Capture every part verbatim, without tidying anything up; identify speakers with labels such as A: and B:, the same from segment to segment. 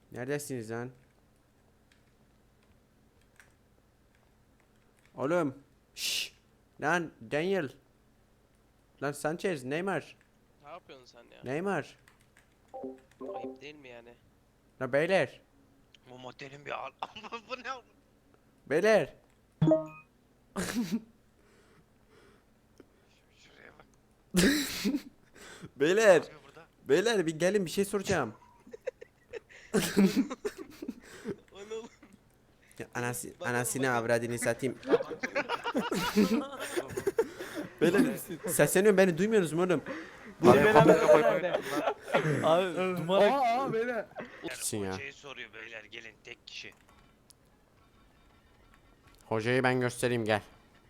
A: Neredesiniz lan? Oğlum. Şşş. Lan Daniel. Lan Sanchez, Neymar.
B: Ne yapıyorsun sen ya?
A: Neymar.
B: Ayıp değil mi yani?
A: La beyler.
B: Bu motelin bir al. Ama bu ne oldu?
A: Beyler.
B: Şuraya bak.
A: Beyler.
B: Ne yapıyor burada?
A: Beyler bir gelin, bir şey soracağım.
B: O ne oğlum?
A: Ya anası,
B: Bakalım,
A: anasını
B: bakalım.
A: avradını satayım. Beyler sesleniyorum, beni duymuyorsunuz mu oğlum?
C: Bu
D: Abi,
C: beraber
D: kapıyı
C: nerede? Abi duman
D: Aa aa beyler.
A: Gitsin ya.
B: Hocayı soruyor beyler gelin tek kişi.
A: Hocayı ben göstereyim, gel.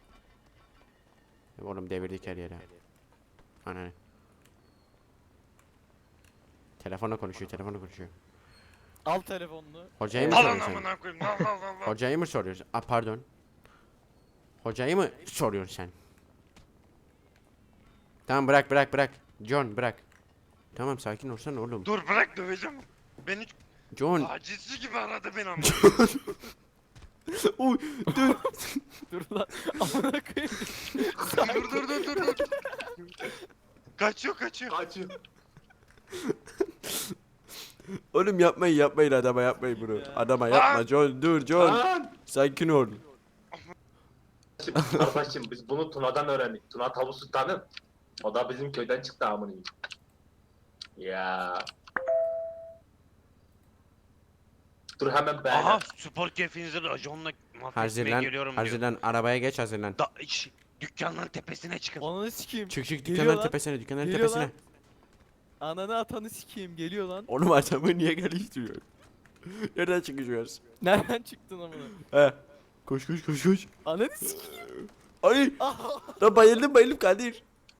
A: Oğlum devirdik her yere. Ananı. Telefonla konuşuyor, telefonla konuşuyor.
C: al telefonunu.
A: Hocayı mı
B: Alın
A: soruyorsun?
B: amına koyayım. Al al al al.
A: Hocayı mı soruyorsun? Aa pardon. Hocayı mı soruyorsun sen? Tamam bırak bırak bırak. John bırak. Tamam sakin olsana oğlum.
B: Dur bırak döveceğim. Beni
A: John.
B: tacizci gibi aradı beni ama.
A: Uy dur.
C: Dur lan. Amına koyayım.
B: dur dur dur dur dur. Kaçıyor kaçıyor.
D: Kaçıyor.
A: Oğlum yapmayın yapmayın, adama yapmayın bunu. Adama yapma John, dur John.
D: Lan.
A: Sakin ol.
D: Şimdi kardeşim biz bunu Tuna'dan öğrendik. Tuna Tavu Sultan'ı. O da bizim köyden çıktı amına. Ya. Dur hemen beğen.
B: Aha spor keyfinizi raconla mahvetmeye
A: Hazırlan.
B: geliyorum diyor.
A: Hazırlan, arabaya geç, hazırlan.
B: Da, iş, dükkanların tepesine çıkın.
C: Ananı sikeyim.
A: Çık çık
C: Geliyor
A: dükkanların
C: lan.
A: tepesine, dükkanların
C: Geliyor
A: tepesine.
C: lan. Ananı atanı sikeyim geliyor lan.
A: Oğlum adamı niye geliştiriyor? Nereden çıkacağız?
C: Nereden çıktın amına?
A: He. Koş koş koş koş.
C: Ananı sikeyim.
A: Ay.
C: Ah.
A: Lan bayıldım bayıldım Kadir.